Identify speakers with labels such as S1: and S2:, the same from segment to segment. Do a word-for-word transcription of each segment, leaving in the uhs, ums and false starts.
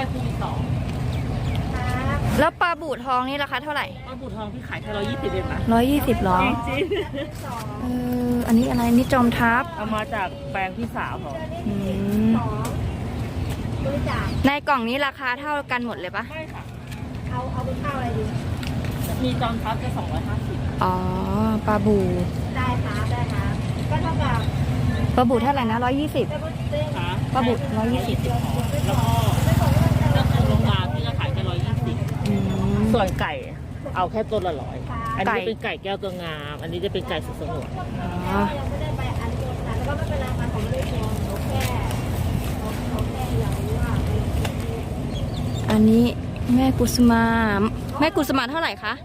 S1: คู่ที่สอง
S2: แล้วปลาบูทองนี่ราคาเท่าไหร่
S1: ปลาบูทองที่ขายแค่ร้อยยี่สิบเองนะ
S2: ร้อยยี่สิบหรอ
S1: จริง
S2: เอออันนี้อะไรนี่จอมทัพ
S1: เอามาจากแปลงพี่สาวเขา
S2: อืมในกล่องนี้ราคาเท่ากันหมดเลยปะ
S1: ไม่ค่ะเอาเอาเป็นข้าวอะไรดีมีจอมทัพจะสองร้อยห้าสิบ
S2: อ๋อปลาบู
S3: ได้ค่ะได้ค่ะก็เท่ากับ
S2: ปลาบูเท่าไหร่นะร้อยยี่สิบปลาบูร้อยยี่สิบ
S1: แล้วก็แล้วก็โรงงานที่จะขายแค่ร้อยยี่สิบส่วนไก่เอาแค่ตัวละร้อยอันนี้เป็นไก่แก้วตัวงามอันนี้จะเป็นไก่สุดสงวน
S2: อ๋อ
S3: ไม่ได้ไปอันเดียวกันแล้วก็ไม่เป็นไรมันของไม่ได้ชมโอเคโอเคอย่างนี้ว่า
S2: อันนี้แม่กุสมาแม่กุสมาเท่าไหร่คะ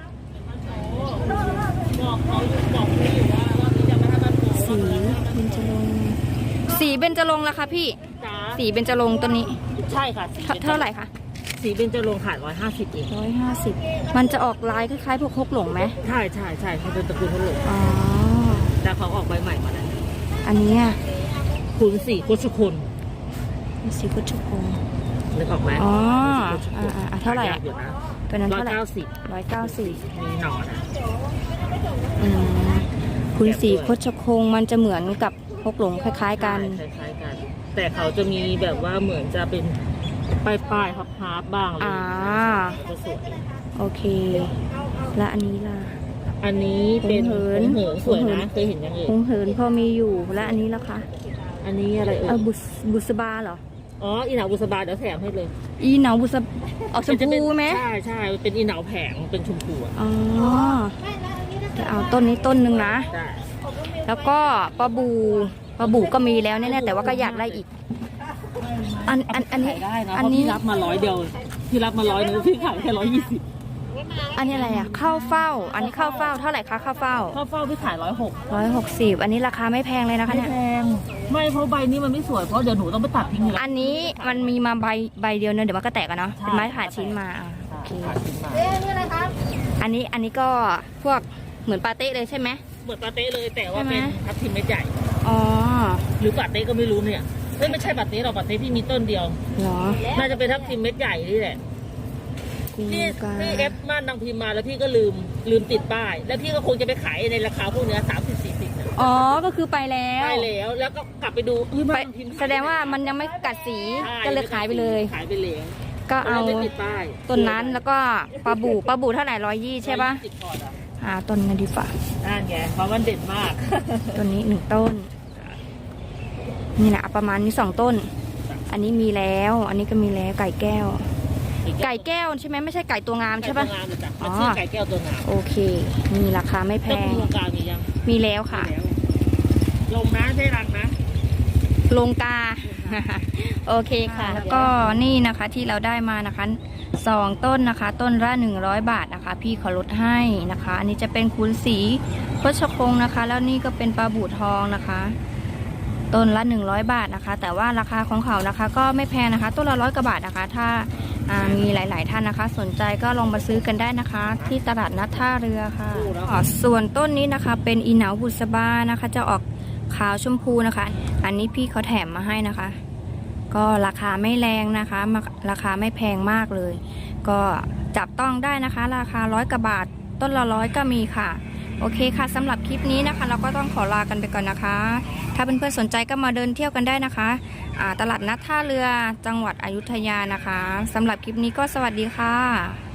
S1: บอกเขาบอกเขาอยู่ว่าว่าพี่จะไม่ให้มันโ
S2: สีเบญจรงค์สีเบญจรงค์ละคะพี่สีเบญจรงค์ตัวนี้
S1: ใช่ค่ะ
S2: เท่าไหร่คะ
S1: สีเบญจรงค์ขายร้อยห้าสิบเอง
S2: ร้อยห้าสิบมันจะออกลายคล้ายๆพวกฮกหลงไหม
S1: ใช่ใช่ใช่เขาเป็นตระกูลฮกหลง
S2: อ๋อ
S1: แต่เขาออกใบใหม่มาแล้ว
S2: อันนี้
S1: คุณสีโคชคุณ
S2: สีโคชคุณ
S1: นึกออกไหม
S2: อ๋ออ่าเท่าไหร่ตัวนั้นเท่าไหร่
S1: ร้อยเก้าสิบ
S2: ร้อยเก้าสิบ
S1: มีหนอน
S2: อืมคุณสีโคชคงมันจะเหมือนกับฮกหลงคล้ายๆกัน
S1: คล้ายๆกันแต่เขาจะมีแบบว่าเหมือนจะเป็นปลายปลายฮับฮับบ้างเลยจะสวย
S2: โอเคและอันนี้ล่ะ
S1: อันนี้เป็นเหินเหินสวยนะเคยเห็นยังไง
S2: หงเหินพอมีอยู่และอันนี้ล่ะคะ
S1: อันนี้อะไรเอ่ย
S2: บุษบุษบาเหรอ
S1: อ๋ออีเหนาบุษบาเดี๋ยวแถมให้เลย
S2: อีเหนาบุษบออกชมพูไหม
S1: ใช่ใช่เป็นอีเหนาแผงเป็นชมพู
S2: อ๋อจะเอาต้นนี้ต้นหนึ่งนะแล้วก็ปลาบูปลาบูก็มีแล้วแน่ๆแต่ว่าก็อยากได้อีกอันอันอันนี้
S1: ได้นะอันนี้รับมาร้อยเดียวพี่รับมาร้อยนึงพี่ขายแค่ร้อยยี่สิบ
S2: อันนี้อะไรอ่ะข้าวเฝ้าอันนี้ข้าวเฝ้าเท่าไหร่คะข้าวเฝ้า
S1: ข้าวเฝ้าพี่ขายร้อยหก
S2: ร้อยหกสิบอันนี้ราคาไม่แพงเลยนะคะเนี่ย
S1: ไม่แพงไม่เพราะใบนี้มันไม่สวยเพราะเดี๋ยวหนูต้องไปตัดทิ้งเลย
S2: อันนี้มันมีมาใบใบเดียวเนอะเดี๋ยวมันก็แตกกันเนาะเป็นไม้ผ่าชิ้นมาโอเคอันนี้อันนี้ก็พวกเหมือนปาเต้เลยใช่ไหม
S1: เหมือนปาเต้เลยแต่ว่าเป็นทับทิมเม็ดใหญ่
S2: อ๋อ
S1: หรือปาเต้ก็ไม่รู้เนี่ยไม่ใช่ปาเต้หรอกปาเต้พี่มีต้นเดียว
S2: เหรอ
S1: น่าจะเป็นทับทิมเม็ดใหญ่นี่แหละพี่พี่เอฟม่านนางพิมพ์มาแล้วพี่ก็ลืมลืมติดป้ายแล้วพี่ก็คงจะไปขายในราคาพวกเนี้ยสามสิบสี่สิบ
S2: อ๋อก็คือไปแล้ว
S1: ไปแล้วแล้วก็กลับไปดู
S2: ไปแสดงว่ามันยังไม่กัดสีก็เลยขายไปเลย
S1: ขายไปเลย
S2: ก็เอาต้นนั้นแล้วก็ปลาบูปลาบูเท่าไหร่ร้อยยี่ใช่ปะอ่าต้นนี้ดีฝ่า
S1: นั่นไงเพราะมันเด่นมาก
S2: ต้นนี้หนึ่งต้นนี่แหละประมาณนี้สองต้นอันนี้มีแล้วอันนี้ก็มีแล้วไก่แก้วไก่แก้วใช่ไหมไม่ใช่ไก่ตัวงามใช่ปะ
S1: อ๋อไก่แก้วตัวงาม
S2: โอเคมีราคาไม่แพง
S1: โครงการมียัง
S2: มีแล้วค่ะ
S1: ลงนะใช่รังนะ
S2: ลงกาโอเคค่ะแล้วก็นี่นะคะที่เราได้มานะคะสองต้นนะคะต้นละหนึ่งร้อยบาทนะคะพี่ขอลดให้นะคะอันนี้จะเป็นคูณสีโคชคงนะคะแล้วนี่ก็เป็นปลาบูทองนะคะต้นละหนึ่งร้อยบาทนะคะแต่ว่าราคาของเขานะคะก็ไม่แพงนะคะต้นละร้อยกว่าบาทนะคะถ้ามีหลายๆท่านนะคะสนใจก็ลองมาซื้อกันได้นะคะที่ตลาดนัดท่าเรือค่ะส่วนต้นนี้นะคะเป็นอีเหนาบุษบานะคะจะออกขาวชมพูนะคะอันนี้พี่เขาแถมมาให้นะคะก็ราคาไม่แรงนะคะราคาไม่แพงมากเลยก็จับต้องได้นะคะราคาร้อยกว่าบาทต้นละร้อยก็มีค่ะโอเคค่ะสำหรับคลิปนี้นะคะเราก็ต้องขอลากันไปก่อนนะคะถ้าเพื่อนๆสนใจก็มาเดินเที่ยวกันได้นะคะตลาดนัดท่าเรือจังหวัดอยุธยานะคะสำหรับคลิปนี้ก็สวัสดีค่ะ